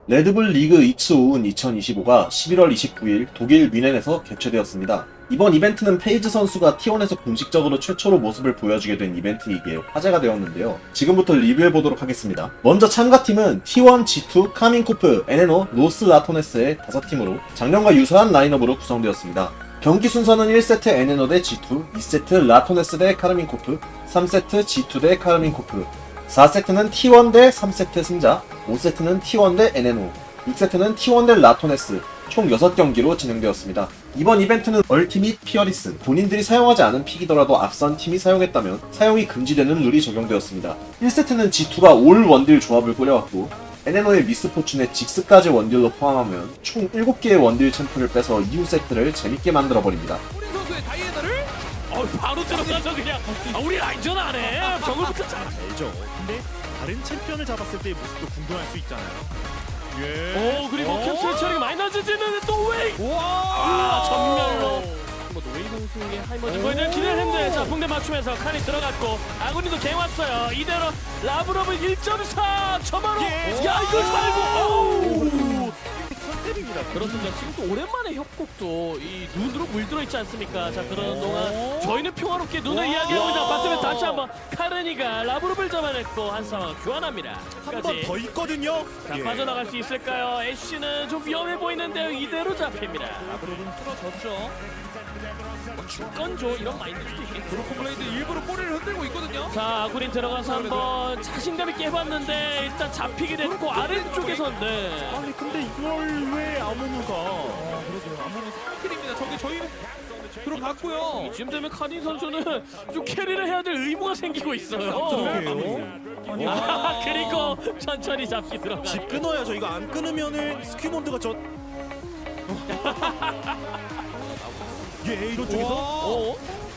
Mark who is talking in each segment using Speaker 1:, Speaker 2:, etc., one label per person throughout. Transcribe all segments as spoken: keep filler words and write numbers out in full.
Speaker 1: 레드불 리그 이츠오운 이천이십오가 십일월 이십구일 독일 뮌헨에서 개최되었습니다. 이번 이벤트는 페이즈 선수가 티원에서 공식적으로 최초로 모습을 보여주게 된 이벤트이기에 화제가 되었는데요. 지금부터 리뷰해보도록 하겠습니다. 먼저 참가팀은 티원, 지투, 카민코프, 에네노, 로스 라토네스의 다섯 팀으로 작년과 유사한 라인업으로 구성되었습니다. 경기 순서는 일 세트 에네노 대 지투, 이 세트 라토네스 대 카르민코프, 삼 세트 지투 대 카르민코프, 사 세트는 티원 대 삼 세트 승자, 오 세트는 티원 대 에네노, 육 세트는 티원 대 라토네스, 총 여섯 경기로 진행되었습니다. 이번 이벤트는 얼티밋 피어리스, 본인들이 사용하지 않은 픽이더라도 앞선 팀이 사용했다면 사용이 금지되는 룰이 적용되었습니다. 일 세트는 지투가 올 원딜 조합을 꾸려왔고, 에네노의 미스포춘에 직스까지 원딜로 포함하면 총 일곱 개의 원딜 챔프를 빼서 이후 세트를 재밌게 만들어버립니다.
Speaker 2: 우리 선수의 다이애나를 어 바로 들어가서 그냥 아, 우리 라인전 안 해. 저걸부터 잘
Speaker 3: 알죠. 근데 다른 챔피언을 잡았을 때의 모습도 궁금할 수 있잖아요. 예.
Speaker 2: 오 그리고
Speaker 3: 어?
Speaker 2: 캡슐 처리가 많이 낮아지는데 또 웨이
Speaker 3: 와.
Speaker 2: 아 전멸로 뭐 웨이 선수의 하이머진 거에는 기대를 했는데 자 붕대 맞추면서 칸이 들어갔고 아군이도 갱 왔어요. 이대로 라브러브 일 점 사 점화로
Speaker 3: 예.
Speaker 2: 야 이거 살고
Speaker 3: 컨셉입니다.
Speaker 2: 그렇습니다. 지금 또 오랜만에 협곡도 이 눈으로 물들어 있지 않습니까? 자 그런 동안 저희는 평화롭게 눈을 이야기하고 있다. 봤으면 다시 한번 카르니가 라브로를 잡아냈고 한 상황 교환합니다.
Speaker 3: 한 번 더 있거든요.
Speaker 2: 자
Speaker 3: 예.
Speaker 2: 빠져나갈 수 있을까요? 애쉬는 좀 위험해 보이는데요. 이대로 잡힙니다.
Speaker 4: 라브로는 쓰러졌죠.
Speaker 2: 건조 이런 마인드도 있겠죠.
Speaker 4: 브로큰 블레이드 일부러 꼬리를 흔들고 있거든요.
Speaker 2: 자 아구린 들어가서 한번 자신감 있게 해봤는데 일단 잡히게 됐고 아래쪽에서 네.
Speaker 3: 아니 근데 이걸 왜 아무누가?
Speaker 4: 아, 그러게요. 아무런 스킬입니다. 저게 저희 들어갔고요.
Speaker 2: 이쯤 되면 카닌 선수는 좀 캐리를 해야 될 의무가 생기고 있어요.
Speaker 3: 그러게요.
Speaker 2: 아, 그리고 천천히 잡기 들어가.
Speaker 3: 집 끊어야죠. 이거 안 끊으면은 스퀴몬드가 저. 예, 이런 쪽에서
Speaker 2: 오,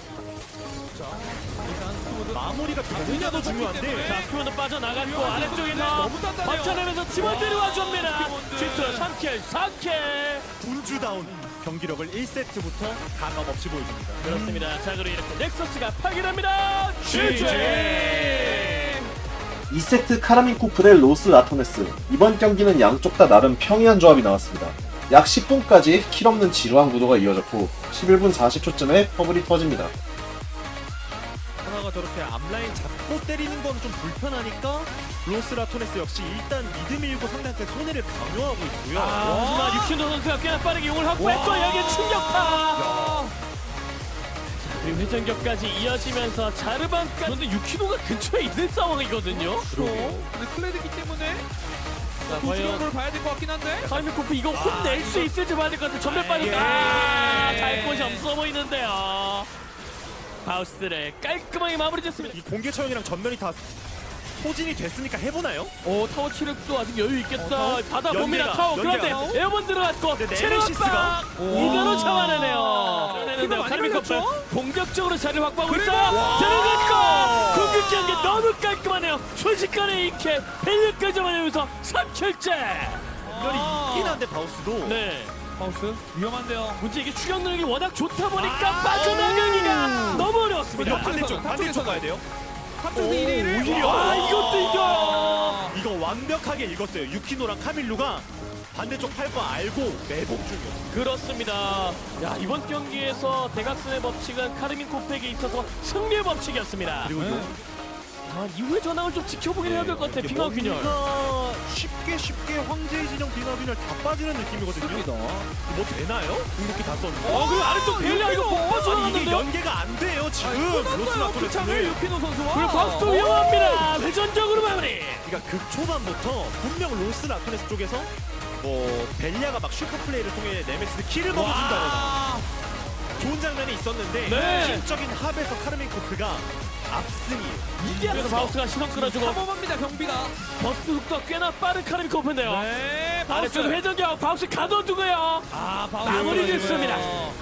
Speaker 3: 마무리가 되느냐 더 중요한데.
Speaker 2: 자 스피어도 빠져나갔고 아래쪽에서
Speaker 4: 너무 단단해요.
Speaker 2: 버텨내면서 팀원들이 와줍니다. 쥐트 삼 킬, 사 킬.
Speaker 3: 분주다운 경기력을 일 세트부터 가감 없이 보여줍니다.
Speaker 2: 그렇습니다. 자 그리고 이렇게 넥서스가 파괴됩니다. 지지.
Speaker 1: 이 세트 카라민코프 대 로스 라토네스. 이번 경기는 양쪽 다 나름 평이한 조합이 나왔습니다. 약 십 분까지 킬 없는 지루한 구도가 이어졌고 십일 분 사십 초쯤에 퍼블이 터집니다.
Speaker 3: 하나가 저렇게 앞라인 잡고 때리는 건 좀 불편하니까 로스 라토네스 역시 일단 미드 밀고 상대한테 손해를 강요하고 있고요.
Speaker 2: 아, 하지만 육신도 선수가 꽤나 빠르게 용을 확보했고 여기에 충격파. 그리고 회전격까지 이어지면서 자르반까지. 그런데 유키노가 근처에 있는 상황이거든요.
Speaker 3: 그러게요.
Speaker 4: 근데 클레드기 때문에
Speaker 2: 자,
Speaker 4: 도주는
Speaker 2: 과연
Speaker 4: 걸 봐야 될 것 같긴 한데.
Speaker 2: 카이미코프 이거 혼낼 수 있을지 봐야 될 것 같은데 전멸 빠졌다. 아, 갈 곳이 없어 보이는데요. 바우스를 깔끔하게 마무리 짓습니다.
Speaker 3: 이 공개 처형이랑 전면이 다 소진이 됐으니까 해보나요?
Speaker 2: 오 타워 체력도 아직 여유 있겠다.
Speaker 3: 어,
Speaker 2: 받아봅니다
Speaker 3: 연계가,
Speaker 2: 타워. 그런데
Speaker 3: 연계가.
Speaker 2: 에어본 들어갔고
Speaker 3: 근데
Speaker 2: 체력
Speaker 3: 네메시스가?
Speaker 2: 압박 이대로 잡아내네요.
Speaker 4: 힘을
Speaker 2: 잡아내는데요.
Speaker 4: 많이
Speaker 2: 카이미코프
Speaker 4: 걸렸죠?
Speaker 2: 공격적으로 자리를 확보하고
Speaker 4: 그래도-
Speaker 2: 있어.
Speaker 4: 와.
Speaker 2: 들어갔고 궁극기한 게 너무 깔끔하네요. 순식간에 이 킬 벨리까지 잡아내면서 삼 킬째.
Speaker 3: 이별이 있긴 한데 바우스도
Speaker 2: 네.
Speaker 4: 바우스 위험한데요.
Speaker 2: 문제 이게 추격 능력이 워낙 좋다 보니까
Speaker 3: 아.
Speaker 2: 빠져나가기가 너무
Speaker 3: 이거
Speaker 2: 어려웠습니다.
Speaker 3: 반대쪽 반대쪽 가야 돼요.
Speaker 4: 탑쪽에서 일 위를
Speaker 3: 오히려.
Speaker 2: 아 이것도 이겨.
Speaker 3: 이거 완벽하게 읽었어요. 유키노랑 카밀루가 반대쪽 팔 거 알고 매복 중이었어요.
Speaker 2: 그렇습니다. 야 이번 경기에서 대각선의 법칙은 카르민 코프에게 있어서 승리의 법칙이었습니다.
Speaker 3: 그리고
Speaker 4: 네.
Speaker 3: 요
Speaker 2: 아, 이후의 전황을 좀 지켜보긴 해야 될 것 같아. 빙하 균열.
Speaker 3: 뭔가 쉽게 쉽게 황제의 진영 빙하 균열 다 빠지는 느낌이거든요.
Speaker 4: 습니다.
Speaker 3: 뭐 되나요? 궁극기 다 썼는데.
Speaker 2: 어 그리고 아래쪽 벨리아 이거 못
Speaker 3: 아니 이게
Speaker 2: 빠져나왔는데요.
Speaker 3: 연계가 안 돼요 지금.
Speaker 4: 끝났어요.
Speaker 3: 로스
Speaker 4: 그 창을
Speaker 3: 라토네스는.
Speaker 4: 유키노 선수와.
Speaker 2: 그리고 바스도 위험합니다. 회전적으로 마무리.
Speaker 3: 그러니까 극초반부터 분명 로스 라토네스 쪽에서 뭐 벨리아가 막 슈퍼 플레이를 통해 네메시스 킬을 먹어준다거나
Speaker 4: 와.
Speaker 3: 좋은 장면이 있었는데
Speaker 2: 네.
Speaker 3: 팀적인 합에서 카르멘 코프가 압승이에요.
Speaker 2: 이게 그래서 바우스가 시선 끌어주고
Speaker 4: 삼엄합니다 경비가.
Speaker 2: 버스 속도가 꽤나 빠른 카르민 코프인데요.
Speaker 4: 네. 바우스.
Speaker 2: 아래쪽 회전격 바우스 가둬두고요.
Speaker 4: 아 바우스.
Speaker 2: 마무리 짓습니다.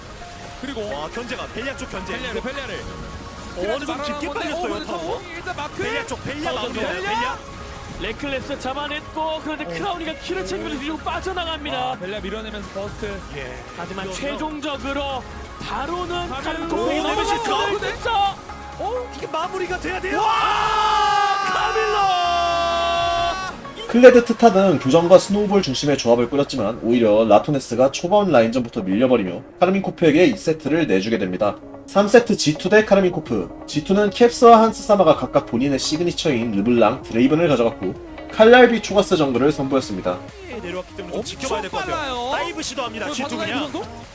Speaker 4: 그리고
Speaker 3: 와 견제가 벨리아 쪽 견제.
Speaker 4: 벨리아를 벨리아를.
Speaker 3: 어느 정도 깊게 빨렸어요 타워.
Speaker 4: 일단 마크.
Speaker 3: 벨리아 쪽 벨리아
Speaker 2: 타워
Speaker 3: 마무리야.
Speaker 2: 벨리아?
Speaker 3: 벨리아.
Speaker 2: 레클레스 잡아냈고 그런데 크라우니가 키를 챙기면서 뒤로 빠져나갑니다.
Speaker 4: 아, 벨리아 밀어내면서 버스트.
Speaker 3: 예.
Speaker 2: 하지만
Speaker 3: 이거-
Speaker 2: 최종적으로 바로는
Speaker 4: 카밀로.
Speaker 2: 카밀로 코페이
Speaker 3: 오, 네메시스.
Speaker 2: 넘어갔고 됐어.
Speaker 3: 어 이게 마무리가 돼야 돼요.
Speaker 2: 카밀로
Speaker 1: 클레드 트타 등 교정과 스노우볼 중심의 조합을 꾸렸지만 오히려 라토네스가 초반 라인전부터 밀려버리며 카르민코프에게 이 세트를 내주게 됩니다. 삼 세트 지투 대 카르민코프. 지투는 캡스와 한스사마가 각각 본인의 시그니처인 르블랑, 드레이븐을 가져갔고 칼날비 초가스 정글을 선보였습니다.
Speaker 3: 내려왔기 때문에 좀 지켜봐야 될 것 같아요.
Speaker 4: 빨라요.
Speaker 3: 다이브 시도합니다. 지투 그냥.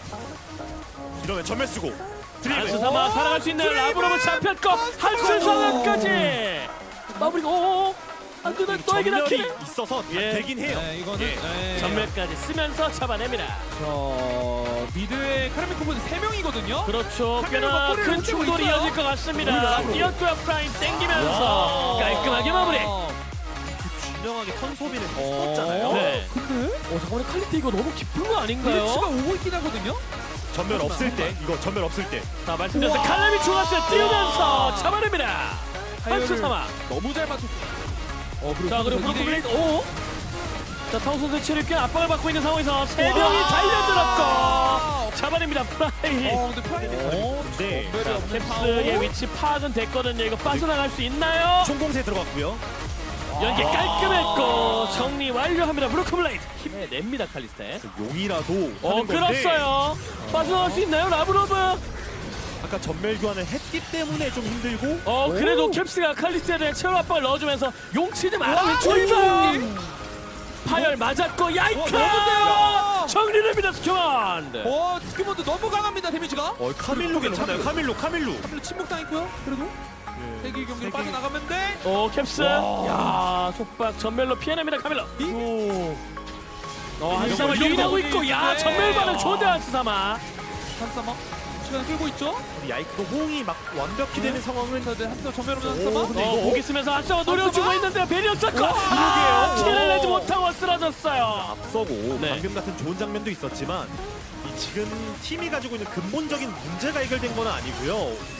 Speaker 3: 이러면 전멸 쓰고 드리블.
Speaker 2: 한스사마 살아갈 수 있는 라브로브 잡혔고 한스사마까지 마무리가 오오오 안되는 너에게
Speaker 3: 전멸이
Speaker 2: 낚이네.
Speaker 3: 있어서
Speaker 2: 예.
Speaker 3: 되긴 해요.
Speaker 4: 네, 이거는
Speaker 3: 예.
Speaker 4: 네.
Speaker 2: 전멸까지 쓰면서 잡아냅니다.
Speaker 4: 저 미드에 카르미코프는 세 명이거든요.
Speaker 2: 그렇죠.
Speaker 4: 카메라가
Speaker 2: 꽤나
Speaker 4: 꼬리를
Speaker 2: 큰
Speaker 4: 흔들고
Speaker 2: 충돌이
Speaker 4: 있어요.
Speaker 2: 이어질 것 같습니다. 뛰었고요. 프라임 땡기면서
Speaker 3: 와.
Speaker 2: 깔끔하게 마무리.
Speaker 3: 분명하게 턴소비를
Speaker 4: 어.
Speaker 3: 했었잖아요.
Speaker 2: 네.
Speaker 4: 근데
Speaker 2: 어 잠깐만 칼리트 이거 너무 깊은 거 아닌가요?
Speaker 4: 블리츠가 오고 있긴 하거든요.
Speaker 3: 전멸 없을 때 이거 전멸 없을 때
Speaker 2: 자 말씀드렸듯이
Speaker 4: 우와.
Speaker 2: 칼날비 중았어요. 뛰면서 잡아냅니다. 한스사마.
Speaker 4: 너무 잘 맞췄어. 어,
Speaker 2: 자 그리고
Speaker 4: 선수
Speaker 2: 브로크
Speaker 4: 이 대 일.
Speaker 2: 블레이드 오. 자 타우 선수 체력꽤 압박을 받고 있는 상황에서 세 명이
Speaker 4: 와.
Speaker 2: 달려들었고 잡아냅니다. 프라이.
Speaker 4: 어, 근데 프라이드
Speaker 3: 어, 근데
Speaker 4: 전멸이 없는
Speaker 2: 캡스의
Speaker 4: 파워.
Speaker 2: 위치 파악은 됐거든요. 이거 빠져나갈 수 있나요?
Speaker 3: 총공세 들어갔고요.
Speaker 2: 연계 깔끔했고 정리 완료합니다. 브로크 블레이드 힘내냅니다. 칼리스테.
Speaker 3: 용이라도
Speaker 2: 어
Speaker 3: 하는 건데
Speaker 2: 끌었어요. 빠져나갈 수 있나요? 라브로브.
Speaker 3: 아까 전멸 교환을 했기 때문에 좀 힘들고
Speaker 2: 어 그래도 캡스가 칼리스테에 대한 체력 압박을 넣어주면서 용치지 마라 외치고 있어요. 파열 맞았고 야이카
Speaker 4: 어,
Speaker 2: 정리됩니다. 스튜먼드.
Speaker 4: 어, 스키몬드 너무 강합니다. 데미지가.
Speaker 3: 어 카밀로 괜찮아요. 카밀로 카밀로
Speaker 4: 카밀로 침묵당했고요. 그래도 세기 경기로
Speaker 3: 세기.
Speaker 4: 빠져나가면 돼.
Speaker 2: 오 캡스. 야 속박 전멸로 피해냅니다. 카밀로.
Speaker 3: 오.
Speaker 2: 어 한사마
Speaker 4: 이런
Speaker 2: 유인하고
Speaker 4: 거
Speaker 2: 있고 야
Speaker 4: 있는데.
Speaker 2: 전멸 반응 좋은데 한사마.
Speaker 4: 한사마 시간 끌고 있죠.
Speaker 3: 우리 야이크도 호응이 막 완벽히 되는 상황을
Speaker 4: 자, 네, 한사마 전멸 오면
Speaker 3: 오,
Speaker 4: 한사마.
Speaker 3: 근데
Speaker 2: 어
Speaker 3: 이거-
Speaker 2: 보기 쓰면서 한사마 노려주고
Speaker 4: 한사마?
Speaker 2: 있는데 배려 쌓고
Speaker 3: 그러게요.
Speaker 2: 티를 내지 못하고 쓰러졌어요.
Speaker 3: 앞서고
Speaker 2: 네.
Speaker 3: 방금 같은 좋은 장면도 있었지만 이 지금 팀이 가지고 있는 근본적인 문제가 해결된 건 아니고요.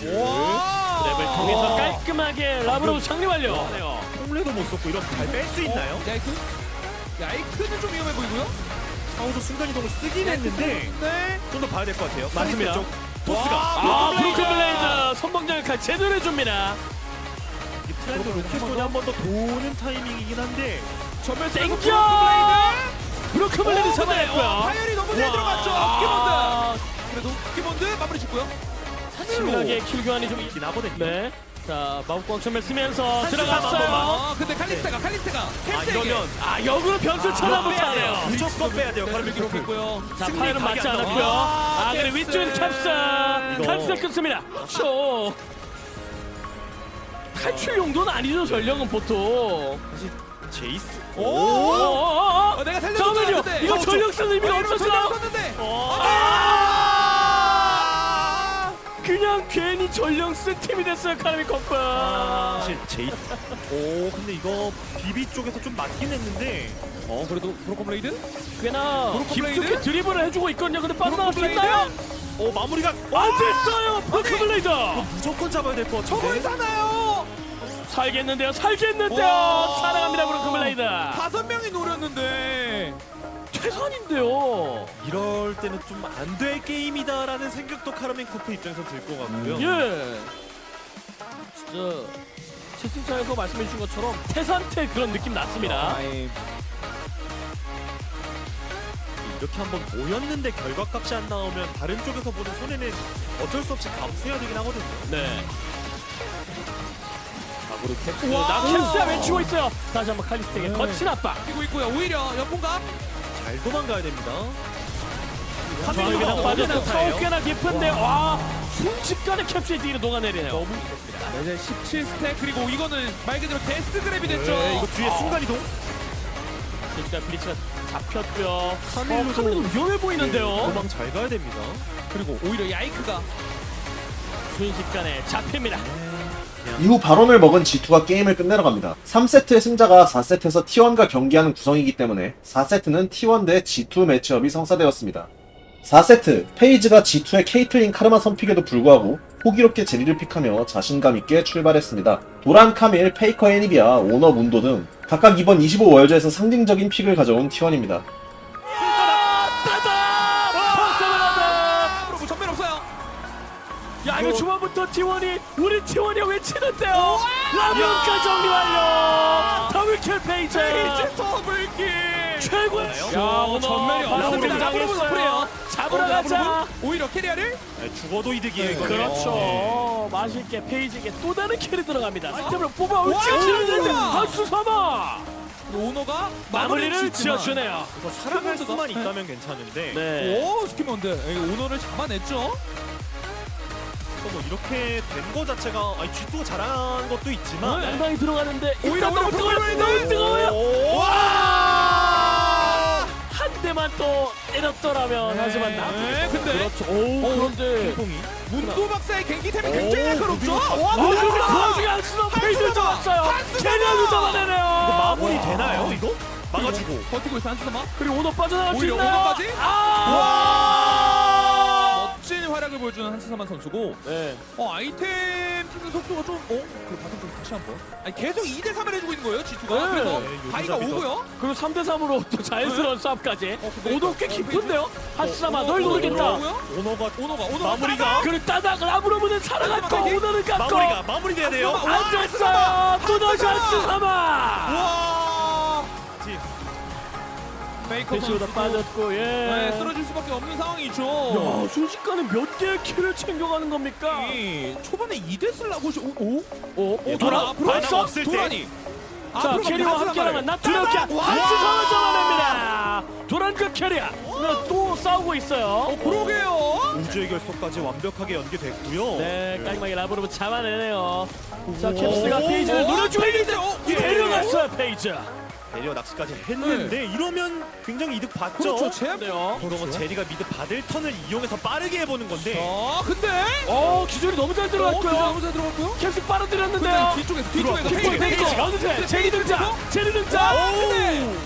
Speaker 4: 와.
Speaker 2: 랩을 통해서 깔끔하게 라브로브 정리 완료.
Speaker 3: 와.
Speaker 2: 네요.
Speaker 3: 홍래도 못 썼고 이런 잘 뺄 수 있나요?
Speaker 4: 어, 야이크? 야이크는 좀 위험해 보이고요.
Speaker 3: 사우도 순간 이동을 쓰긴 했는데
Speaker 4: 네.
Speaker 3: 좀 더 봐야 될 것 같아요.
Speaker 2: 맞습니다.
Speaker 3: 쪽 토스가
Speaker 2: 아 브로크 블레이드 선봉장을 제대로 해줍니다.
Speaker 3: 이 트렌드 로켓손이 한 번 더 도는 타이밍이긴 한데
Speaker 4: 전멸
Speaker 2: 땡겨!
Speaker 4: 쓰고 블레이드.
Speaker 2: 브로크 블레이드 잡아냈고요.
Speaker 4: 파열이 너무 잘
Speaker 2: 와.
Speaker 4: 들어갔죠. 스키몬드. 그래도 스키몬드 마무리 짓고요.
Speaker 2: 치밀하게 킬 교환이 좀
Speaker 3: 있긴 하거든요.
Speaker 2: 네. 자 마법광 전멸 쓰면서
Speaker 3: 한스
Speaker 2: 들어갔어요.
Speaker 4: 아, 근데 칼리스타가 칼리스타가
Speaker 3: 아
Speaker 4: 캡스에게
Speaker 3: 이러면
Speaker 2: 아 역으로 변수 쳐다보타네요.
Speaker 3: 무조건 빼야 돼요.
Speaker 4: 네,
Speaker 3: 카르미
Speaker 4: 기록했고요.
Speaker 2: 자
Speaker 3: 승리
Speaker 2: 파일은
Speaker 3: 각이
Speaker 2: 맞지
Speaker 3: 안
Speaker 2: 않았고요.
Speaker 4: 나와.
Speaker 2: 아 그리고
Speaker 4: 캡스.
Speaker 2: 위쪽에 캡스
Speaker 3: 이거.
Speaker 2: 캡스 끊습니다. 쇼. 탈출 용도는 아니죠 전령은 보통.
Speaker 3: 사실 제이스
Speaker 4: 오.
Speaker 2: 오.
Speaker 4: 어, 내가 살려줬는데.
Speaker 2: 잠깐만요. 이거 전령 쓰는 의미가 없었어요.
Speaker 4: 없었는데.
Speaker 2: 어.
Speaker 4: 아!
Speaker 2: 그냥 괜히 전령 쓴 팀이 됐어요 카르미 커프.
Speaker 3: 사실 제이스 오 근데 이거 비비 쪽에서 좀 맞긴 했는데
Speaker 4: 어, 그래도 브로커 블레이드?
Speaker 2: 꽤나
Speaker 4: 브로커
Speaker 2: 깊숙이
Speaker 4: 블레이드?
Speaker 2: 드리블을 해주고 있거든요. 근데 빠져나갈 수
Speaker 4: 브로커
Speaker 2: 있나요?
Speaker 3: 오 마무리가
Speaker 2: 안 됐어요. 브로크 블레이드.
Speaker 3: 무조건 잡아야 될 것
Speaker 4: 저걸
Speaker 3: 같은데
Speaker 4: 사나요?
Speaker 2: 살겠는데요. 살겠는데요.
Speaker 4: 와.
Speaker 2: 살아갑니다. 브로크 블레이드.
Speaker 4: 다섯 명이 노렸는데.
Speaker 2: 최선인데요.
Speaker 3: 이럴 때는 좀 안 될 게임이다라는 생각도 카르멘 코프 입장에서 들 것 같고요.
Speaker 2: 예. 진짜 채팅창에서 말씀해 주신 것처럼 태산태 그런 느낌 났습니다.
Speaker 4: 아이,
Speaker 3: 이렇게 한번 모였는데 결과값이 안 나오면 다른 쪽에서 보는 손해는 어쩔 수 없이 감수해야 되긴 하거든요.
Speaker 2: 네. 자고로 캡스.
Speaker 4: 우와.
Speaker 2: 나 캡스야 외치고 있어요. 다시 한번 칼리스트에게
Speaker 4: 네.
Speaker 2: 거친 압박.
Speaker 4: 뛰고 있고요. 오히려 연봉감.
Speaker 3: 잘 도망가야 됩니다.
Speaker 2: 정확히 그냥
Speaker 3: 어,
Speaker 2: 빠졌고
Speaker 3: 어느
Speaker 2: 타워 꽤나 깊은데 와 순식간에 캡스의 뒤로 녹아내리네요.
Speaker 4: 너무 네, 이제 십칠 스택 그리고 이거는 말 그대로 데스 그랩이 됐죠.
Speaker 3: 네, 이거 뒤에 순간 이동.
Speaker 2: 그러니까 브리치가 잡혔고요.
Speaker 3: 카밀로도-
Speaker 2: 어, 카밀로 위험해 보이는데요.
Speaker 3: 도망 잘 가야 됩니다.
Speaker 4: 그리고 오히려 야이크가
Speaker 2: 순식간에 잡힙니다.
Speaker 1: 이후 바론을 먹은 지투가 게임을 끝내러 갑니다. 삼 세트의 승자가 사 세트에서 티 원과 경기하는 구성이기 때문에 사 세트는 티 원 대 지투 매치업이 성사되었습니다. 사 세트, 페이지가 지투의 케이틀린 카르마 선픽에도 불구하고 호기롭게 제리를 픽하며 자신감 있게 출발했습니다. 도란, 카밀, 페이커, 애니비아, 오너, 문도 등 각각 이번 이십오 월드에서 상징적인 픽을 가져온 티 원입니다.
Speaker 2: 따다! 포스트맨한테!
Speaker 4: 앞으로 전면 없어요.
Speaker 2: 야 자 이거 초반부터 티원이 우리 티원이 외치는데요. 라면까 정리 완료. 더블킬 페이지.
Speaker 4: 페이지 더블킬.
Speaker 2: 최고의
Speaker 4: 야, 오늘 전면이
Speaker 2: 라브로
Speaker 4: 없었습니다.
Speaker 2: 당했어요.
Speaker 4: 라브로
Speaker 2: 잡으러
Speaker 4: 어,
Speaker 2: 가자.
Speaker 4: 라브로 오히려 캐리어를
Speaker 3: 네, 죽어도 이득이에요. 이거는.
Speaker 2: 그렇죠.
Speaker 3: 네.
Speaker 2: 맛있게 페이지에게 또 다른 킬이 들어갑니다. 시스템을 뽑아
Speaker 4: 와,
Speaker 2: 올치는데
Speaker 4: 우와.
Speaker 2: 한수 삼아
Speaker 4: 오너가
Speaker 2: 마무리를
Speaker 4: 짓지만-
Speaker 2: 지어주네요.
Speaker 3: 그래서 살아갈 수만
Speaker 4: 네.
Speaker 3: 있다면 괜찮은데
Speaker 2: 네.
Speaker 4: 오 스키먼드 이거 오너를 잡아냈죠.
Speaker 3: 또 뭐 이렇게 된 거 자체가 아니 쥐도 잘한 것도 있지만
Speaker 2: 양방이 들어가는데
Speaker 4: 오히려
Speaker 2: 일단 너무
Speaker 4: 오히려
Speaker 2: 뜨거워요.
Speaker 4: 보이는
Speaker 2: 너무 뜨거워요.
Speaker 3: 오!
Speaker 4: 와!
Speaker 2: 한 대만 또 때렸더라면
Speaker 4: 네.
Speaker 2: 하지만 나.
Speaker 4: 네, 근데
Speaker 2: 그렇죠. 오 그런데
Speaker 3: 퐁이
Speaker 4: 문도 박사의 갱기템이
Speaker 3: 오,
Speaker 4: 굉장히 날카롭죠.
Speaker 3: 무빙
Speaker 4: 와,
Speaker 2: 아 근데 그
Speaker 4: 문도
Speaker 2: 와중에 한수는 페이지를 잡았어요.
Speaker 4: 한수
Speaker 2: 제니아도
Speaker 4: 잡아!
Speaker 2: 잡아내네요.
Speaker 3: 이거 마무리 되나요 이거? 막아주고
Speaker 4: 버티고 있어 한스마.
Speaker 2: 그리고 오너 빠져나갈 수
Speaker 4: 오히려
Speaker 2: 있나요?
Speaker 4: 오너까지?
Speaker 2: 아!
Speaker 4: 멋진 활약을 보여주는 한스사만 선수고.
Speaker 2: 네.
Speaker 4: 어 아이템 찍는 속도가 좀 어? 그 바텀 좀 다시 한번. 아니 계속 이 대 삼을 해주고 있는 거예요 지투가.
Speaker 2: 네.
Speaker 4: 그래서
Speaker 3: 네,
Speaker 4: 바이가
Speaker 3: 요즘
Speaker 4: 오고요.
Speaker 2: 그리고 삼 대 삼으로 또 자연스러운 싸움까지.
Speaker 4: 어, 근데
Speaker 2: 오너 꽤
Speaker 4: 어,
Speaker 2: 깊은데요? 한수삼아
Speaker 4: 어,
Speaker 2: 널
Speaker 4: 오너
Speaker 2: 노리겠다.
Speaker 4: 오고요.
Speaker 3: 오너가
Speaker 4: 오너가 오너가
Speaker 3: 마무리가
Speaker 4: 따다!
Speaker 2: 그리고 따닥 라브로브는 살아갔고
Speaker 4: 마지막까지?
Speaker 2: 오너는 갔고
Speaker 3: 마무리가 마무리돼야 돼요.
Speaker 4: 한수삼아.
Speaker 2: 안 됐어요. 또다시 한수삼아.
Speaker 4: 와.
Speaker 3: 지-
Speaker 4: 메이커
Speaker 2: 패시보다
Speaker 4: 선수
Speaker 2: 빠졌고 예.
Speaker 4: 네, 쓰러질 수밖에 없는 상황이죠.
Speaker 2: 야 순식간에 몇 개의 킬을 챙겨가는 겁니까?
Speaker 4: 이 초반에 이 대 쓰려고 시- 오? 오?
Speaker 2: 오, 오
Speaker 3: 예,
Speaker 2: 돌아
Speaker 3: 바람-
Speaker 2: 앞으로
Speaker 3: 바람
Speaker 2: 했어?
Speaker 3: 없을 때.
Speaker 4: 도란이.
Speaker 2: 자
Speaker 4: 앞으로
Speaker 2: 캐리와
Speaker 4: 가면
Speaker 2: 함께라면 나
Speaker 4: 따다!
Speaker 2: 두렵게
Speaker 4: 와!
Speaker 2: 한수삼을 잡아냅니다. 도란급 캐리아 또 싸우고 있어요.
Speaker 4: 그러게요.
Speaker 3: 우주의 결속까지 완벽하게 연계됐고요.
Speaker 2: 네 깔끔하게 라브로브 잡아내네요. 자
Speaker 3: 오.
Speaker 2: 캡스가 페이지를
Speaker 4: 오,
Speaker 2: 노려주고 있는데
Speaker 4: 페이지, 어, 예.
Speaker 2: 데려갔어요 페이지.
Speaker 3: 배려 낚시까지 했는데 이러면 굉장히 이득 봤죠.
Speaker 4: 그렇죠. 제압.
Speaker 2: 네요.
Speaker 3: 그러면 제리가 미드 받을 턴을 이용해서 빠르게 해보는 건데
Speaker 4: 아 근데
Speaker 2: 어 기술이 너무 잘
Speaker 4: 어, 그죠?
Speaker 2: 들어갔고요.
Speaker 4: 너무 잘 들어갔고요.
Speaker 2: 캡스
Speaker 4: 근데
Speaker 2: 빨아들였는데요.
Speaker 4: 뒤쪽에서 뒤쪽에서
Speaker 2: 킥볼
Speaker 4: 페이지
Speaker 2: 페이지
Speaker 4: 페이지.
Speaker 2: 어느새 제리 등장. 제리
Speaker 4: 아,
Speaker 2: 등장.
Speaker 4: 근데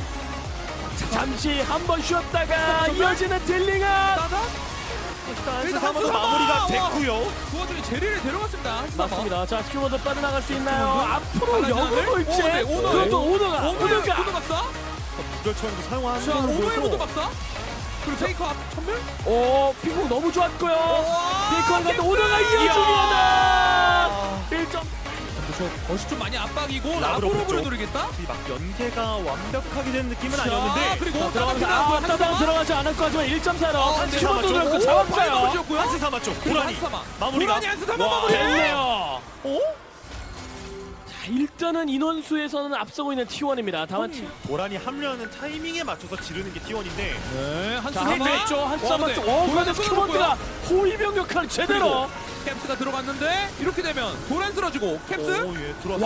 Speaker 2: 잠시 한 번 쉬었다가 이어지는 딜링은
Speaker 4: 따다.
Speaker 3: 한스삼아도
Speaker 4: 한스삼아!
Speaker 3: 마무리가
Speaker 4: 와.
Speaker 3: 됐고요.
Speaker 4: 그 와중에 제리를 데려갔습니다. 한스삼아.
Speaker 2: 맞습니다. 자 스큐버도 빠져나갈 수 있나요? 앞으로
Speaker 4: 빨라지는데?
Speaker 2: 역으로 볼지.
Speaker 4: 오, 네, 오너.
Speaker 2: 그것도 오너가
Speaker 4: 오너
Speaker 2: 오너가.
Speaker 4: 오너 박사.
Speaker 3: 무결처형도 사용하는
Speaker 4: 자
Speaker 3: 걸로
Speaker 4: 오너의 모드
Speaker 3: 보여서
Speaker 4: 박사. 그리고 페이커 앞 천멸.
Speaker 2: 오 핑퐁 너무 좋았고요.
Speaker 4: 와,
Speaker 2: 비컨 같은
Speaker 4: 캡스!
Speaker 2: 오너가 이어줍니다. 일 점.
Speaker 4: 그렇죠. 것이 좀 많이 압박이고
Speaker 3: 라브로브
Speaker 4: 라브로브를
Speaker 3: 쪽.
Speaker 4: 노리겠다.
Speaker 3: 이 막 연계가 완벽하게 된 느낌은
Speaker 4: 자,
Speaker 3: 아니었는데
Speaker 4: 그리고
Speaker 2: 자, 들어가면서
Speaker 4: 따다
Speaker 2: 아 따당 들어가지 않을 거 같지만 일 점 차로
Speaker 4: 어,
Speaker 2: 한
Speaker 4: 네,
Speaker 2: 스큐버도
Speaker 3: 잡았죠.
Speaker 2: 들었고
Speaker 4: 오,
Speaker 2: 잡았어요.
Speaker 4: 바이브를 지었고요.
Speaker 3: 한스삼아 쪽
Speaker 4: 그리고
Speaker 3: 고라니
Speaker 4: 한스삼아.
Speaker 3: 마무리가
Speaker 4: 고라니 한스삼아
Speaker 3: 와,
Speaker 4: 마무리.
Speaker 2: 됐네요.
Speaker 3: 어?
Speaker 2: 자 일단은 인원수에서는 앞서고 있는 티원입니다. 다만 티.
Speaker 3: 고라니 합류하는 타이밍에 맞춰서 지르는 게 티원인데
Speaker 4: 네,
Speaker 2: 자
Speaker 4: 한스삼아.
Speaker 2: 한대 있죠. 한쌈
Speaker 4: 와,
Speaker 2: 맞죠.
Speaker 4: 근데
Speaker 2: 오
Speaker 4: 도란이
Speaker 2: 그런데 스큐버드가 호위병 역할 제대로.
Speaker 4: 캡스가 들어갔는데 이렇게 되면 도란 쓰러지고 캡스.
Speaker 3: 오, 예, 들어왔어.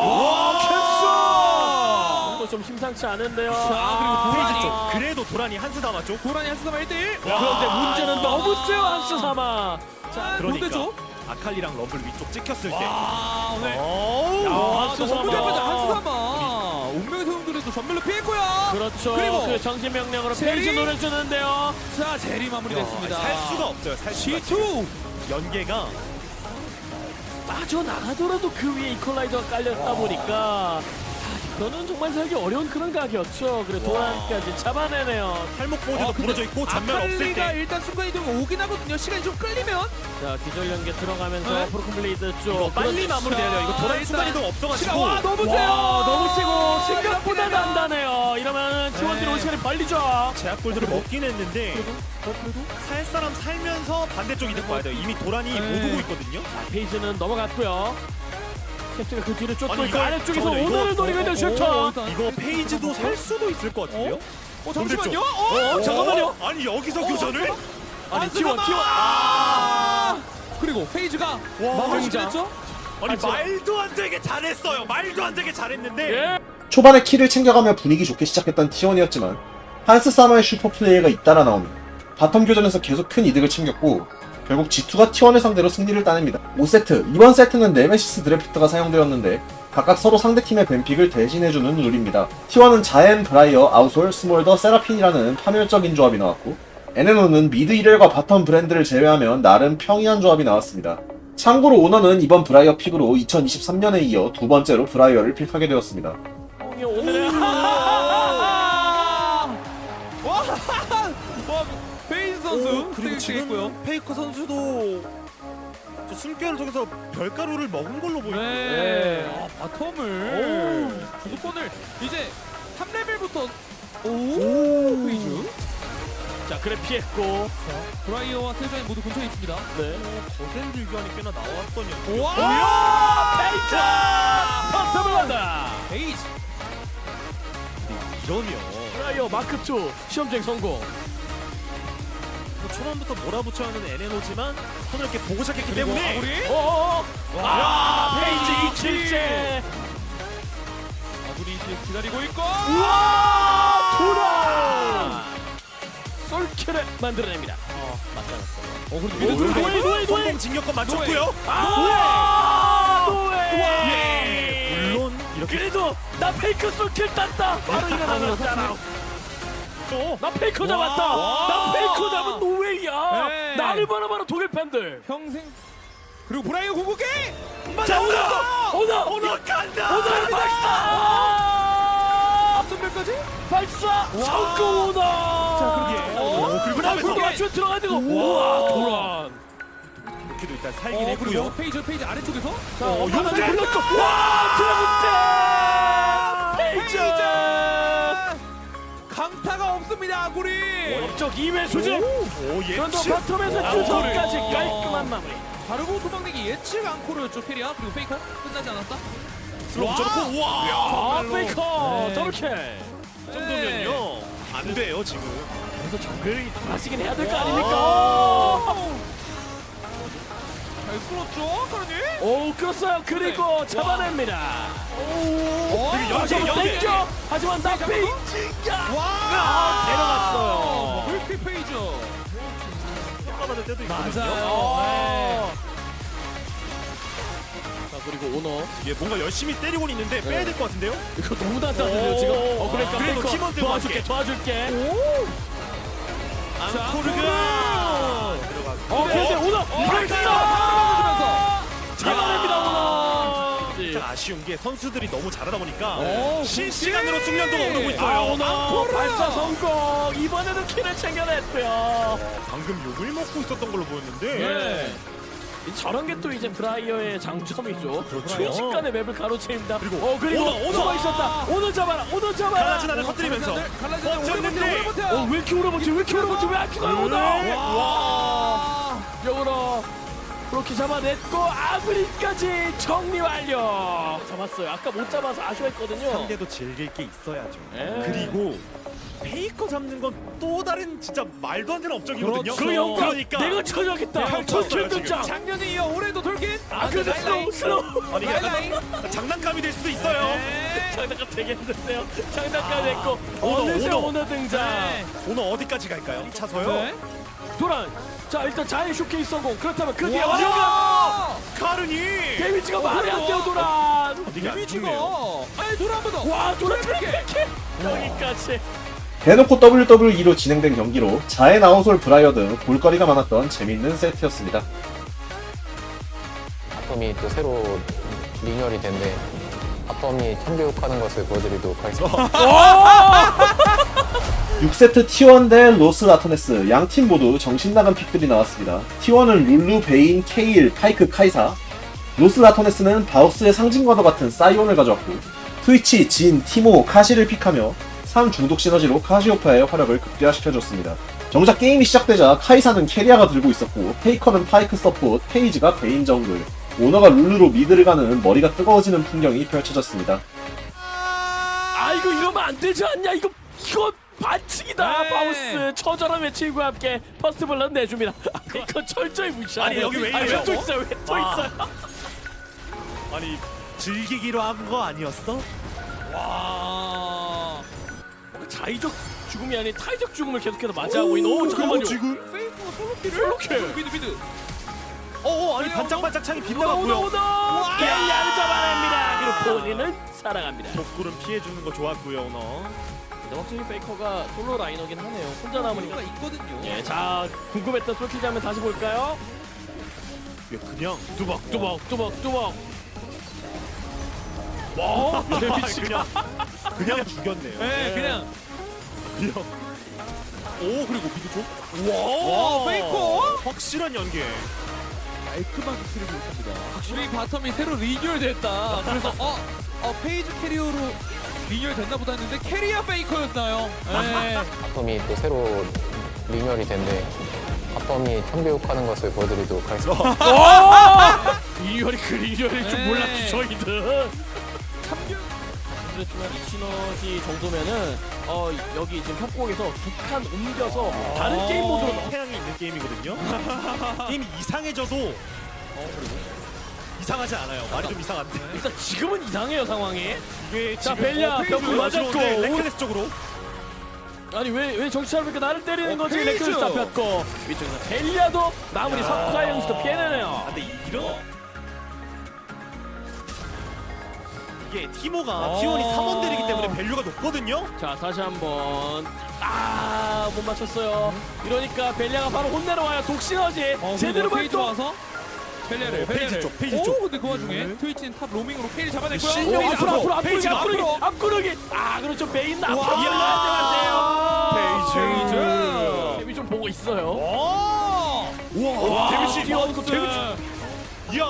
Speaker 2: 와 캡스. 이거 좀 심상치 않은데요.
Speaker 4: 자, 그리고 도란이.
Speaker 3: 페이지 쪽 그래도 도라니 한스삼아 쪽
Speaker 4: 도란이 한스삼아 일 대 일.
Speaker 2: 그런데 문제는 너무 세요 한스삼아.
Speaker 4: 자,
Speaker 3: 그러니까
Speaker 4: 죠
Speaker 3: 아칼리랑 럼블 위쪽 찍혔을 때
Speaker 4: 와, 오늘.
Speaker 3: 어우
Speaker 2: 야,
Speaker 4: 아,
Speaker 2: 한스삼아.
Speaker 4: 너무 잘하자 한스삼아. 운명의 소용돌이도 전멸로 피했고요.
Speaker 2: 그렇죠.
Speaker 4: 그리고
Speaker 2: 그 정신 명령으로
Speaker 4: 제리?
Speaker 2: 페이지 노려주는데요.
Speaker 4: 자, 제리 마무리됐습니다.
Speaker 3: 살 수가 없어요. 살 수가
Speaker 4: 지투.
Speaker 3: 연계가
Speaker 2: 빠져나가더라도 그 위에 이퀄라이저가 깔렸다 보니까 아, 이거는 정말 살기 어려운 그런 각이었죠. 그래 도란까지 잡아내네요.
Speaker 3: 팔목 보드가
Speaker 4: 아, 근데
Speaker 3: 부러져 있고 전면 없을
Speaker 4: 아칼리가
Speaker 3: 때
Speaker 4: 일단 순간이동 오긴 하거든요. 시간이 좀 끌리면.
Speaker 2: 자 기절 연계 들어가면서
Speaker 4: 네.
Speaker 2: 프로콤블레이드 쪽
Speaker 3: 이거 빨리
Speaker 2: 그렇죠.
Speaker 3: 마무리돼야 돼요. 이거
Speaker 4: 자,
Speaker 3: 도란
Speaker 4: 일단
Speaker 3: 순간이동
Speaker 4: 시간
Speaker 3: 없어가지고
Speaker 4: 와 너무 세요.
Speaker 2: 와 너무 세고 생각보다
Speaker 4: 이렇게 되면-
Speaker 2: 단단해요. 이러면 팀원들이
Speaker 4: 네.
Speaker 2: 올 시간이 빨리죠.
Speaker 3: 제약 골드를 먹긴 했는데 살 사람 살면서 반대쪽 이득 봐야 돼요. 이미 도란이
Speaker 4: 네.
Speaker 3: 못 오고 있거든요.
Speaker 2: 페이지는 넘어갔고요. 캡틴가 그 뒤를 쫓고
Speaker 3: 아니,
Speaker 2: 있고
Speaker 3: 이거-
Speaker 2: 아래쪽에서
Speaker 3: 잠깐만요,
Speaker 2: 오너를
Speaker 3: 이거-
Speaker 2: 노리고 있는
Speaker 4: 어,
Speaker 2: 슈터.
Speaker 4: 어, 일단-
Speaker 3: 이거 페이지도 살 수도 있을 것 같은데요?
Speaker 4: 어 잠시만요.
Speaker 3: 반대쪽.
Speaker 4: 어,
Speaker 2: 어, 잠깐만요.
Speaker 3: 아니 여기서
Speaker 4: 어,
Speaker 3: 교전을?
Speaker 2: 아니 티원 티원.
Speaker 4: 아 그리고 페이지가 마무리
Speaker 2: 등장.
Speaker 4: 됐죠?
Speaker 3: 아니
Speaker 2: 아, 진짜.
Speaker 3: 말도 안 되게 잘했어요. 말도 안 되게 잘했는데
Speaker 2: 예.
Speaker 1: 초반에 킬을 챙겨가며 분위기 좋게 시작했던 티원이었지만 한스사마의 슈퍼플레이가 잇따라 나오며 바텀 교전에서 계속 큰 이득을 챙겼고 결국 지투가 티원을 상대로 승리를 따냅니다. 오 세트, 이번 세트는 네메시스 드래프트가 사용되었는데 각각 서로 상대팀의 뱀픽을 대신해주는 룰입니다. 티원은 자엔, 브라이어, 아우솔, 스몰더, 세라핀이라는 파멸적인 조합이 나왔고 엔에노는 미드 일엘과 바텀 브랜드를 제외하면 나름 평이한 조합이 나왔습니다. 참고로 오너는 이번 브라이어 픽으로 이천이십삼 년에 이어 두 번째로 브라이어를 픽하게 되었습니다.
Speaker 2: 오늘의
Speaker 4: 와, 와 페이지 선수
Speaker 3: 오, 그리고
Speaker 4: 되게
Speaker 3: 지금
Speaker 4: 있고요.
Speaker 3: 페이커 선수도 저 또 숨결을 통해서 별가루를 먹은 걸로 보이고.
Speaker 4: 네. 아, 바텀을 주도권을 이제 삼 레벨부터 오, 페이즈.
Speaker 2: 자 그래 피했고.
Speaker 4: 브라이어와 세주안이 모두 근처에 있습니다.
Speaker 2: 네.
Speaker 3: 거센 들교환이 꽤나 나왔던 연기.
Speaker 4: 와!
Speaker 2: 페이저 퍼스블러다.
Speaker 4: 페이지.
Speaker 3: 이러면
Speaker 2: 프라이어 마크 투 시험쟁 성공.
Speaker 3: 뭐 초반부터 몰아붙여야 하는 엔에노지만 손을 이렇게 보고 시작했기 때문에
Speaker 4: 아구리.
Speaker 2: 오. 아 페이지
Speaker 4: 페이지.
Speaker 2: 이칠째.
Speaker 4: 아구리 이제 기다리고 있고.
Speaker 2: 우와 돌아. 솔킬을 만들어냅니다. 어 맞잖았어요.
Speaker 4: 어, 그래도
Speaker 2: 오,
Speaker 4: 미드
Speaker 2: 노예,
Speaker 4: 들어가고.
Speaker 2: 노예, 노예.
Speaker 3: 성공 진격권 맞췄고요.
Speaker 2: 아 노예.
Speaker 3: 예. 물론 이렇게
Speaker 2: 그래도 나 페이크 솔킬 땄다. 바로 일어나잖아.
Speaker 3: 또
Speaker 2: 나 페이커 잡았다.
Speaker 4: 와.
Speaker 2: 나 페이커 잡은 노웨이야.
Speaker 4: 네.
Speaker 2: 나를 바라봐라 독일 팬들.
Speaker 4: 평생. 그리고 브라이어 궁극기.
Speaker 2: 자 오나 오나 오나
Speaker 3: 간다.
Speaker 2: 오나 발사.
Speaker 4: 앞선별까지.
Speaker 2: 발사 성공 오나.
Speaker 3: 자 그러게. 오, 그리고
Speaker 2: 나
Speaker 3: 나면서
Speaker 2: 그거 맞춰 들어가지고 우와 도란.
Speaker 3: 이렇게도 일단 살긴
Speaker 4: 어, 그리고
Speaker 3: 했고요.
Speaker 4: 페이지 페이지 아래쪽에서.
Speaker 2: 자
Speaker 3: 어,
Speaker 2: 용세
Speaker 3: 용세!
Speaker 2: 불렀고 와 드래곤 페이저.
Speaker 4: 강타가 없습니다 아구리.
Speaker 2: 업적 이 회 수직.
Speaker 3: 오
Speaker 2: 그런데
Speaker 3: 예측.
Speaker 2: 바텀에서
Speaker 3: 와,
Speaker 2: 주성까지
Speaker 4: 오.
Speaker 2: 깔끔한 마무리.
Speaker 4: 바르고 도망내기 예측 앙코르였죠 페리아. 그리고 페이커 끝나지 않았다.
Speaker 3: 슬로우 붙여놓고 와.
Speaker 2: 아
Speaker 3: 정말로.
Speaker 2: 페이커
Speaker 4: 네.
Speaker 2: 더블킬.
Speaker 3: 이 정도면요 안 돼요 지금.
Speaker 2: 그래서 정글이 돌아지긴 해야 될 거 아닙니까?
Speaker 4: 잘 끌었죠 카르니.
Speaker 2: 오 끌었어요. 그리고 잡아냅니다.
Speaker 4: 오.
Speaker 3: 그리고 연계,
Speaker 2: 하지만
Speaker 3: 연계.
Speaker 2: 땡겨. 하지만 나 페이지가 아, 데려갔어요.
Speaker 4: 물피 페이지.
Speaker 3: 평가받을 때도 있거든요.
Speaker 2: 맞아요. 자 그리고 오너
Speaker 3: 예, 뭔가 열심히 때리고 있는데 빼야 될 것 같은데요?
Speaker 2: 이거 너무 단단해요 지금. 어 그러니까
Speaker 3: 그래도
Speaker 2: 페이커
Speaker 3: 팀원들과
Speaker 2: 도와줄게
Speaker 3: 함께.
Speaker 2: 도와줄게.
Speaker 3: 앙코르가 들어가고.
Speaker 2: 어 근데 오너 발사 잡아냅니다 오너.
Speaker 3: 진짜 아쉬운 게 선수들이 너무 잘하다 보니까
Speaker 4: 오,
Speaker 3: 실시간으로
Speaker 4: 그렇지.
Speaker 3: 숙련도가 오르고 있어요.
Speaker 2: 아 오너
Speaker 4: 앙코르!
Speaker 2: 발사 성공. 이번에도 킬을 챙겨냈고요.
Speaker 3: 방금 욕을 먹고 있었던 걸로 보였는데
Speaker 4: 네.
Speaker 2: 저런 게 또 이제 브라이어의 장점이죠.
Speaker 3: 그렇죠.
Speaker 2: 순식간에 맵을 가로채입니다.
Speaker 3: 그리고
Speaker 2: 어 그리고
Speaker 3: 오너, 오너!
Speaker 2: 오너가 있었다. 오너 잡아라. 오너 잡아라.
Speaker 3: 갈라진 하늘 터뜨리면서
Speaker 4: 갈라지는 오래 버텨
Speaker 3: 버텼는데
Speaker 4: 오래 버텨.
Speaker 2: 어왜 이렇게 오래 버티? 왜 이렇게 오래 버티? 왜 아키가 오너? 와. 역으로 그렇게 잡아냈고 아브리까지 정리 완료. 잡았어요. 아까 못 잡아서 아쉬워했거든요.
Speaker 3: 상대도 즐길 게 있어야죠.
Speaker 2: 예.
Speaker 3: 그리고 페이커 잡는 건 또 다른 진짜 말도 안 되는 업적이거든요.
Speaker 4: 그렇죠.
Speaker 2: 그 영광
Speaker 3: 그러니까
Speaker 2: 내가 쳐줘야겠다.
Speaker 3: 펼쳤어요,
Speaker 2: 돌킬
Speaker 3: 지금.
Speaker 2: 등장.
Speaker 4: 작년에 이어 올해도 돌긴.
Speaker 2: 아 근데 스로우 스로우.
Speaker 3: 아니
Speaker 4: 라이라이.
Speaker 3: 약간 장난감이 될 수도 있어요.
Speaker 4: 네.
Speaker 2: 장난감 되겠는데요. 장난감 됐고
Speaker 3: 오너,
Speaker 2: 어느새
Speaker 3: 오너.
Speaker 2: 오너 등장.
Speaker 4: 네.
Speaker 3: 오늘 어디까지 갈까요? 차서요?
Speaker 4: 네.
Speaker 2: 도란. 자 일단 자해 쇼케이스 성공. 그렇다면 그 뒤에
Speaker 3: 와!
Speaker 2: 완료가
Speaker 3: 카르니
Speaker 2: 데미지가
Speaker 4: 어,
Speaker 2: 말이 안 돼요
Speaker 4: 그래도.
Speaker 2: 도란.
Speaker 3: 이게 안
Speaker 4: 데미지가.
Speaker 3: 죽네요.
Speaker 4: 아니 돌아 한번 더.
Speaker 2: 와 도란
Speaker 4: 트리플
Speaker 2: 트리플 여기까지.
Speaker 1: 대놓고 더블유더블유이로 진행된 경기로 자해 나우솔 브라이어 등 볼거리가 많았던 재밌는 세트였습니다.
Speaker 5: 바텀이 또 새로 리뉴얼이 된데 바텀이 참교육하는 것을 보여드리도록 하겠습니다.
Speaker 1: 육 세트 티원 대 로스 라토네스 양 팀 모두 정신나간 픽들이 나왔습니다. 티원은 룰루, 베인, 케일, 파이크, 카이사, 로스 라토네스는 바우스의 상징과도 같은 사이온을 가져왔고 트위치, 진, 티모, 카시를 픽하며 삼 중독 시너지로 카시오페아의 활약을 극대화시켜줬습니다. 정작 게임이 시작되자 카이사는 캐리아가 들고 있었고 페이커는 파이크 서포트, 페이지가 베인 정글, 오너가 룰루로 미드를 가는 머리가 뜨거워지는 풍경이 펼쳐졌습니다.
Speaker 2: 아 이거 이러면 안 되지 않냐? 이거 이거 반칙이다.
Speaker 4: 네.
Speaker 2: 바우스 처절한 외침과 함께 퍼스트 블런 내줍니다. 아, 이거 철저히 무시하네.
Speaker 3: 아니, 여기 왜
Speaker 2: 아니,
Speaker 3: 이래요?
Speaker 2: 또 있어요. 왜 또
Speaker 3: 아.
Speaker 2: 있어요?
Speaker 3: 아니 즐기기로 한 거 아니었어?
Speaker 2: 와. 자의적 죽음이 아닌 타의적 죽음을 계속해서 맞이하고 있는. 오 잠깐만요.
Speaker 3: 지금?
Speaker 4: 페이커 솔로키를.
Speaker 2: 솔로킬.
Speaker 4: 미드 미드.
Speaker 3: 어어 아니
Speaker 4: 그래요?
Speaker 3: 반짝반짝 창이
Speaker 2: 오너
Speaker 3: 빗나갔고요.
Speaker 2: 오너 게임야를 잡아냅니다. 그리고 본인은 살아갑니다.
Speaker 3: 독구름 피해주는 거 좋았고요 오너.
Speaker 2: 근데 확실히 페이커가 솔로 라이너긴 하네요. 혼자 남으니까.
Speaker 4: 이유가 있거든요.
Speaker 2: 예, 자 궁금했던 솔킬 장면 다시 볼까요?
Speaker 3: 이게 그냥
Speaker 2: 뚜벅 뚜벅 뚜벅 뚜벅. 와,
Speaker 3: 그냥 그냥 죽였네요.
Speaker 4: 네, 그냥.
Speaker 3: 그냥. 오 그리고 미드 좀.
Speaker 4: 와, 페이커.
Speaker 3: 확실한 연계.
Speaker 4: 깔끔하게 캐리를 못합니다. 확실히 바텀이 새로 리뉴얼됐다. 그래서 어, 어 페이지 캐리어로 리뉴얼 됐나 보다 했는데 캐리어 페이커였나요? 네.
Speaker 5: 바텀이 또 새로 리뉴얼이 된대. 바텀이 천교육하는 것을 보여드리도록 하겠습니다.
Speaker 2: 리뉴얼이 그 리뉴얼일 줄
Speaker 4: 네.
Speaker 2: 몰랐죠 저희들. 그렇지만 이 시너지 정도면은 어 여기 지금 협곡에서 두 칸 옮겨서 다른
Speaker 3: 어.
Speaker 2: 게임 모드로 넘-
Speaker 3: 태양이 있는 게임이거든요. 게임이 이상해져도 어, 그리고 이상하지 않아요. 말이 좀 이상한데.
Speaker 2: 일단 지금은 이상해요 상황이.
Speaker 3: 이게
Speaker 2: 자,
Speaker 3: 지금
Speaker 2: 벨리아
Speaker 3: 어, 페이지
Speaker 2: 벽을 맞았고.
Speaker 3: 들어오는데 레클레스 쪽으로.
Speaker 2: 아니 왜 왜 정신 차리니까 나를 때리는
Speaker 4: 어,
Speaker 2: 거지?
Speaker 4: 페이즈!
Speaker 2: 레클스 잡혔고 위쪽에서 벨리아도 마무리
Speaker 3: 야.
Speaker 2: 석가의 형식도 피해내네요.
Speaker 3: 아, 근데 이런 이게 티모가
Speaker 4: 어.
Speaker 3: 티원이 삼원들이기 때문에 밸류가 높거든요.
Speaker 2: 자 다시 한번 아못 맞췄어요. 이러니까 벨리아가 바로 혼내러 와요. 독시너지
Speaker 4: 어,
Speaker 2: 제대로
Speaker 4: 페이지
Speaker 2: 발동.
Speaker 4: 와서 펠레를
Speaker 3: 어, 페이지
Speaker 4: 펠레를.
Speaker 3: 쪽, 페이지
Speaker 4: 오,
Speaker 3: 쪽.
Speaker 4: 근데 그 와중에
Speaker 3: 네.
Speaker 4: 트위치는 탑 로밍으로 페이지 잡아냈고요.
Speaker 3: 실력
Speaker 2: 오,
Speaker 3: 페이지
Speaker 2: 앞으로 앞으로
Speaker 3: 앞으로,
Speaker 2: 앞구르기
Speaker 3: 페이지
Speaker 2: 앞구르기
Speaker 4: 앞으로.
Speaker 2: 앞구르기. 아 그렇죠 메인 앞으로
Speaker 4: 와.
Speaker 2: 일어나지 마세요.
Speaker 4: 페이즈.
Speaker 2: 데뷔 좀 보고 있어요.
Speaker 4: 오!
Speaker 3: 우와, 데뷔시.
Speaker 2: 뛰어오고 데뷔
Speaker 3: 이야.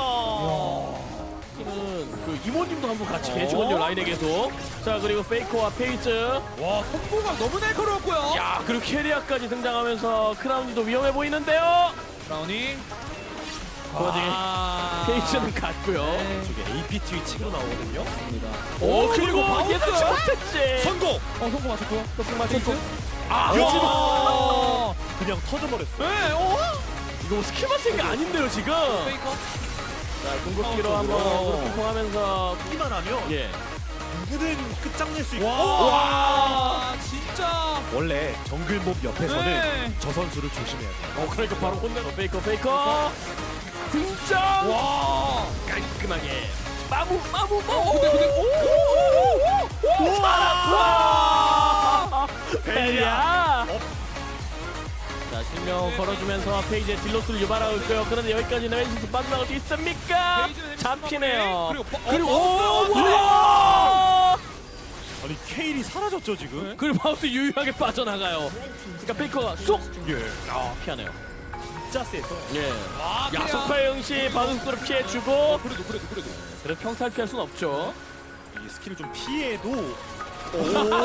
Speaker 2: 팀은 그 이모님도 한번 같이 계시거든요 라인에게도. 자 그리고 페이커와 페이즈.
Speaker 4: 와, 콤보가 너무 날카로웠고요.
Speaker 2: 야 그리고 캐리아까지 등장하면서 크라운이도 위험해 보이는데요.
Speaker 4: 브라우니.
Speaker 2: 그 와중에
Speaker 4: 아.
Speaker 2: 페이즈는 갔고요.
Speaker 4: 네.
Speaker 3: 저게 에이피 트위치로 나오거든요.
Speaker 2: 오 그리고
Speaker 4: 바운스!
Speaker 2: 얘도 셔틀지.
Speaker 3: 성공.
Speaker 4: 어, 성공 맞췄고요.
Speaker 2: 성공 맞췄고.
Speaker 3: 아,
Speaker 2: 아,
Speaker 4: 어.
Speaker 3: 그냥 터져버렸어.
Speaker 4: 네, 어?
Speaker 2: 이거 스킬 맞은 게 아닌데요 지금.
Speaker 4: 페이커.
Speaker 2: 자 궁극기로 한번 어그로핑퐁하면서
Speaker 3: 기만 하면
Speaker 2: 예.
Speaker 3: 누구든 끝장낼 수 있고.
Speaker 4: 와, 진짜.
Speaker 3: 원래 정글몹 옆에서는
Speaker 4: 네.
Speaker 3: 저 선수를 조심해야 돼.
Speaker 2: 어 그러니까 바로 혼내고 페이커 페이커 등장.
Speaker 4: 와.
Speaker 2: 깔끔하게 마무 마무
Speaker 4: 어,
Speaker 2: 마무.
Speaker 4: 근데 근데 오!
Speaker 2: 살았어. 벨리아.
Speaker 3: 어.
Speaker 2: 자 실명 걸어주면서 페이지에 딜로스를 유발하고 있고요. 그런데 여기까지 왼손 빠져나갈 수 있습니까? 잡히네요.
Speaker 4: 그리고 버-
Speaker 2: 그리고
Speaker 4: 어,
Speaker 2: 오 우와!
Speaker 3: 아니 케일이 사라졌죠 지금.
Speaker 2: 그리고 마우스 유유하게 빠져나가요. 그러니까 페이커가 쏙
Speaker 3: 예.
Speaker 2: 아, 피하네요.
Speaker 3: 진짜 세서.
Speaker 2: 예.
Speaker 4: 와, 그냥-
Speaker 2: 야속파 형씨 반응 속도를 피해주고
Speaker 4: 어, 그래도 그래도 그래도.
Speaker 2: 그래도 평탈 피할 순 없죠.
Speaker 3: 이 스킬을 좀 피해도. 오.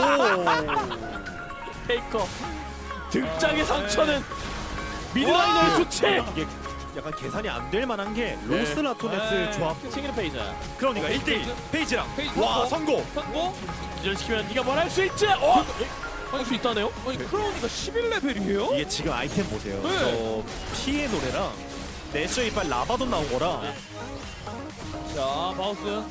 Speaker 2: 페이커 등짝의
Speaker 4: 아,
Speaker 2: 상처는 미드라이너의
Speaker 4: 와!
Speaker 2: 수치.
Speaker 3: 이게 약간 계산이 안 될 만한 게 로스 라토네스
Speaker 4: 네.
Speaker 3: 조합.
Speaker 2: 싱글 페이지
Speaker 3: 그러니까 일 대 일 페이지랑.
Speaker 4: 페이지
Speaker 3: 와
Speaker 4: 성공.
Speaker 3: 성공.
Speaker 4: 성공.
Speaker 2: 기절시키면 네가 뭘 할 수 있지? 어? 할 수 있다네요?
Speaker 4: 아니 크라우니가 십일 레벨이에요?
Speaker 3: 이게 지금 아이템 보세요.
Speaker 4: 네.
Speaker 3: 저 피의 노래랑 내셔 이빨 라바돈 나온 거랑.
Speaker 4: 자, 바우스.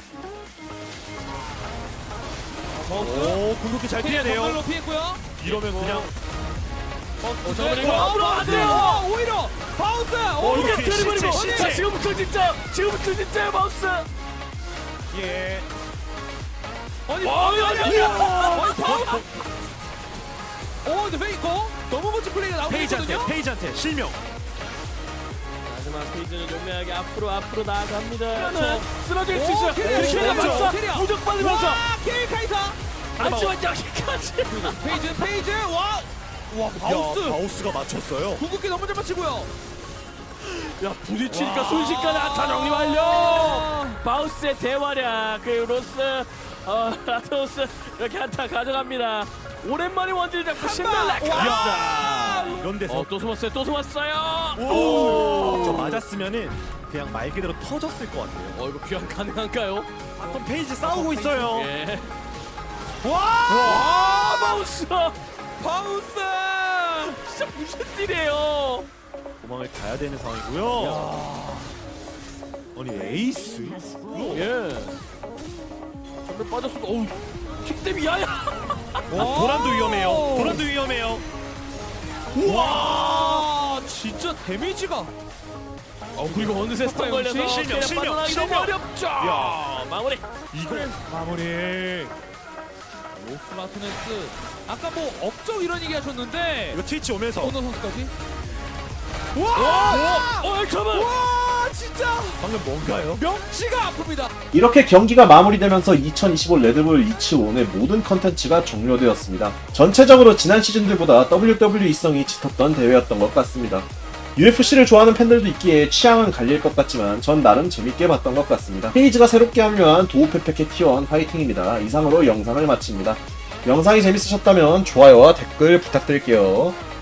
Speaker 4: 바우스.
Speaker 3: 오 궁극기 잘 피해내요.
Speaker 4: 정글로 피했고요.
Speaker 3: 이러면 그냥.
Speaker 4: 어,
Speaker 2: 정글이
Speaker 4: 네.
Speaker 2: 앞으로 안 돼요.
Speaker 4: 와, 오히려 바우스.
Speaker 3: 어,
Speaker 2: 이게
Speaker 3: 이렇게
Speaker 2: 드리블이고
Speaker 3: 실제,
Speaker 2: 자
Speaker 3: 실제.
Speaker 2: 지금부터 진짜 지금부터 진짜 마우스.
Speaker 3: 예.
Speaker 4: 아니,
Speaker 2: 어, 아니, 아니, 아니.
Speaker 4: 아니, 바우스. 어, 근데 페이커 너무 멋진 플레이가 나오고
Speaker 3: 페이지한테
Speaker 4: 있거든요.
Speaker 3: 페이지한테 실명.
Speaker 2: 마지막 페이지는 용맹하게 앞으로 앞으로 나아갑니다.
Speaker 4: 그렇죠.
Speaker 2: 쓰러질 수
Speaker 4: 오,
Speaker 2: 있어요.
Speaker 4: 캐리어,
Speaker 2: 캐리어
Speaker 4: 캐리어,
Speaker 2: 맞서
Speaker 4: 캐리어.
Speaker 2: 무적 받으면서
Speaker 4: 와, 케이 카이사.
Speaker 2: 하지만 여기까지.
Speaker 4: 페이지, 페이지. 와, 와,
Speaker 3: 야
Speaker 4: 바우스.
Speaker 3: 바우스가 맞췄어요.
Speaker 4: 궁극기 너무 잘 맞히고요.
Speaker 2: 야 부딪히니까 순식간에 아타 정리 완료. 바우스의 대활약 그리고 로스 어 라토스 이렇게 한타 가져갑니다. 오랜만에 원딜 잡고 신날라.
Speaker 3: 야 이런 데서
Speaker 2: 어또 숨었어요 또 숨었어요.
Speaker 3: 오! 저 맞았으면은 그냥 말 그대로 터졌을 것 같아요.
Speaker 2: 어 이거 귀환 가능한가요?
Speaker 3: 바텀 페이지 싸우고 있어요.
Speaker 2: 예.
Speaker 4: 와,
Speaker 2: 와 바우스
Speaker 4: 바우스.
Speaker 2: 진짜 무슨 딜이에요?
Speaker 3: 도망을 가야 되는 상황이고요. 아니 에이스?
Speaker 2: 예. 전멸 빠졌어. 어우 킥댐이 야야.
Speaker 3: 아, 도란도 위험해요. 도란도 위험해요.
Speaker 4: 와, 진짜 데미지가.
Speaker 2: 어 그리고 어느새 스턴 걸려서
Speaker 3: 실명,
Speaker 2: 캐리어
Speaker 3: 실명,
Speaker 2: 빠져나가기 너무
Speaker 3: 실명.
Speaker 2: 어렵죠.
Speaker 3: 야.
Speaker 2: 마무리.
Speaker 3: 이거 마무리.
Speaker 4: 로스라토네스. 아까 뭐 업적 이런 얘기 하셨는데
Speaker 3: 이거 트위치 오면서
Speaker 4: 오너 선수까지.
Speaker 2: 와! 어 잠깐만.
Speaker 4: 와, 진짜
Speaker 3: 방금 뭔가요?
Speaker 4: 명치가 아픕니다.
Speaker 1: 이렇게 경기가 마무리되면서 이천이십오 레드불 이츠온의 모든 컨텐츠가 종료되었습니다. 전체적으로 지난 시즌들보다 더블유더블유이성이 짙었던 대회였던 것 같습니다. 유에프씨를 좋아하는 팬들도 있기에 취향은 갈릴 것 같지만 전 나름 재밌게 봤던 것 같습니다. 페이지가 새롭게 합류한 도우페페케 티원 화이팅입니다. 이상으로 영상을 마칩니다. 영상이 재밌으셨다면 좋아요와 댓글 부탁드릴게요.